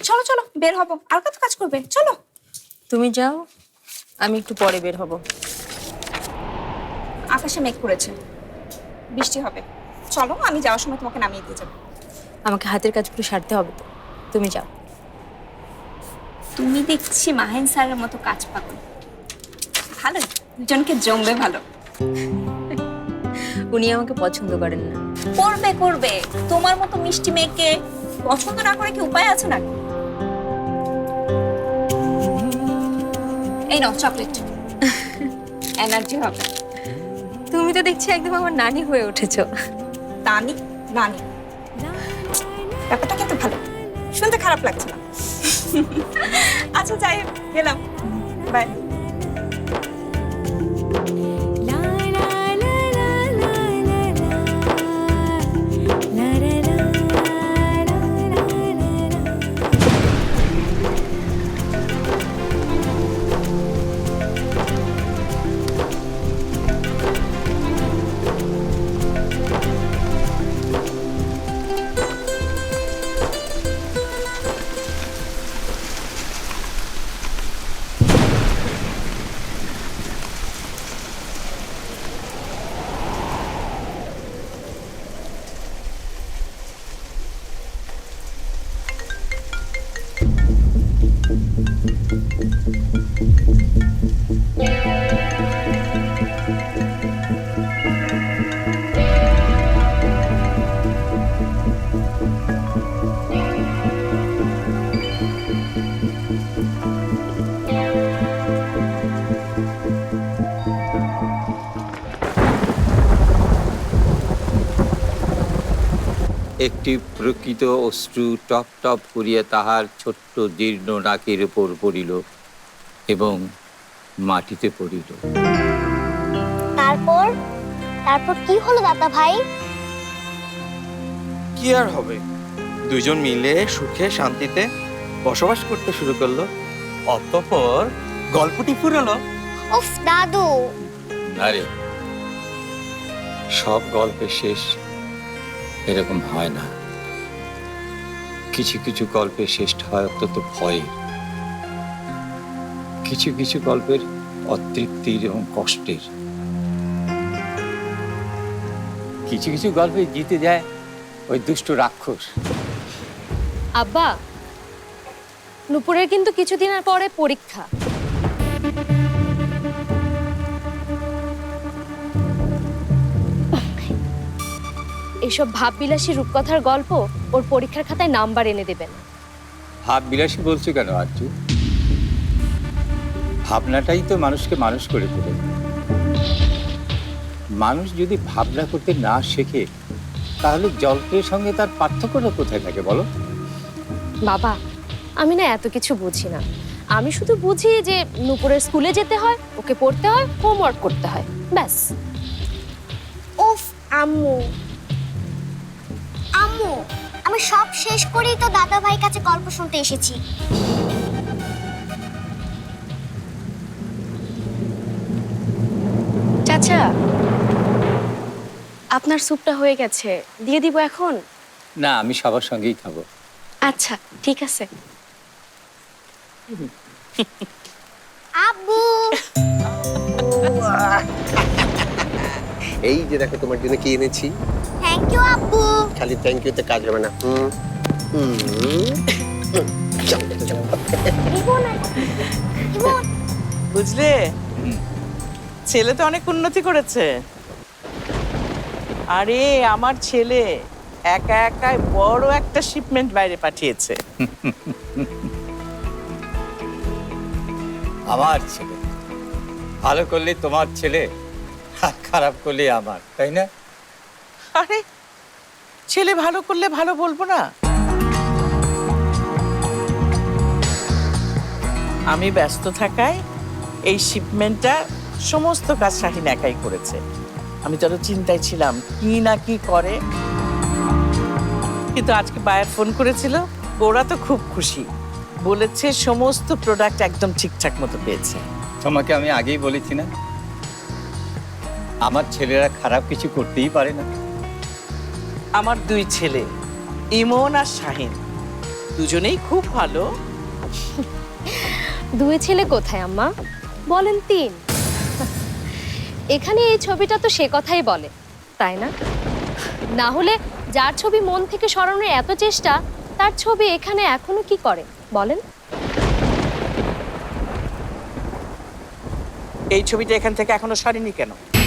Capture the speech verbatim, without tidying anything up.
চলো চলো বের হবো, আর কত কাজ করবে, চলো। তুমি যাও, আমি একটু পরে বের হব। আকাশে মেঘ করেছে, বৃষ্টি হবে। চলো, আমি যাওয়ার সময় তোমাকে নামিয়ে দিয়ে যাবো। আমাকে হাতের কাজগুলো সারতে হবে তো, তুমি যাও। তুমি দেখছি মাহেন স্যারের মতো কাজ পাগল। ভালোই, দুজনকে জমবে ভালো। উনি আমাকে পছন্দ করেন না। করবে করবে, তোমার মতো মিষ্টি মেয়েকে পছন্দ না করে কি উপায় আছে নাকি? এই নাও চকলেট, এনার্জি হবে। তুমি তো দেখছি একদম আমার নানি হয়ে উঠেছো। নানি নানি ব্যাপারটা কিন্তু ভালো, শুনতে খারাপ লাগছে না। আচ্ছা যাই, গেলাম, বাই। একটি প্রকৃত অশ্রু টপ টপ করিয়া তাহার ছোট্ট জীর্ণ নাকের উপর পড়িল এবং মাটিতে পড়িল। তারপর তারপর কি হলো দাদা ভাই? কি আর হবে, দুজন মিলে সুখে শান্তিতে বসবাস করতে শুরু করলো। অতঃপর গল্পটি ফুরলো। উফ দাদু, আরে সব গল্পের শেষ এরকম হয় না। কিছু কিছু গল্পের শেষ হয় অত্যন্ত ভয়ের, কিছু কিছু গল্পের অতৃপ্তির এবং কষ্টের, কিছু কিছু গল্পে জিতে যায় ওই দুষ্ট রাক্ষস। আব্বা, নুপুরের কিন্তু কিছুদিনের পরে পরীক্ষা। এসব ভাববিলাসী রূপকথার গল্প ওর পরীক্ষার খাতায় নাম্বার এনে দেবেন। ভাব বিলাসী বলছো কেন আরজু? ভাবনাটাই তো মানুষকে মানুষ করে তোলে। মানুষ যদি ভাবনা করতে না শেখে তাহলে গল্পের সঙ্গে তার পার্থক্যটা কোথায় থাকে বলো? বাবা, আমি না এত কিছু বুঝি না। আমি শুধু বুঝি যে নুপুরের স্কুলে যেতে হয়, ওকে পড়তে হয়, হোমওয়ার্ক করতে হয়, ব্যাস। উফ আম্মু আম্মু আমি সব শেষ করেই তো দাদা ভাই কাছে গল্প শুনতে এসেছি। চাচা, আপনার স্যুপটা হয়ে গেছে, দিয়ে দিব এখন? না, আমি সবার সঙ্গেই খাবো। আচ্ছা ঠিক আছে। আব্বু, এই যে দেখো তোমার জন্য কি এনেছি। থ্যাংক ইউ আব্বু। খালি থ্যাংক ইউ তে কাজ হবে না। হুম হুম চল, চল। ইমন ইমন বুঝলে, ছেলে তো অনেক উন্নতি করেছে। আরে আমার ছেলে একা একাই বড় একটা শিপমেন্ট বাইরে পাঠিয়েছে। আমার ছেলে ভালো করলে তোমার ছেলে, আর খারাপ করলে আমার, তাই না? আরে ছেলে ভালো করলে ভালো বলবো না? আমি ব্যস্ত থাকায় এই শিপমেন্টটা সমস্ত কাজ শাহিন একাই করেছে। আমি তো আরো চিন্তায় ছিলাম কি না কি করে, কিন্তু আজকে বায়ার ফোন করেছিল, ওরা তো খুব খুশি, বলেছে সমস্ত প্রোডাক্ট একদম ঠিকঠাক মতো পেয়েছে। তোমাকে আমি আগেই বলেছি না, আমার ছেলেরা খারাপ কিছু করতেই পারে না। আমার দুই ছেলে ইমন আর শাহিন দুজনেই খুব ভালো। দুই ছেলে কোথায় আম্মা? বলেন তিন। এখানে এই ছবিটা তো সে কথাই বলে, তাই না? না হলে যার ছবি মন থেকে সরানোর এত চেষ্টা, তার ছবি এখানে এখনো কি করে বলেন? এই ছবিটা এখান থেকে এখনো সরেনি কেন?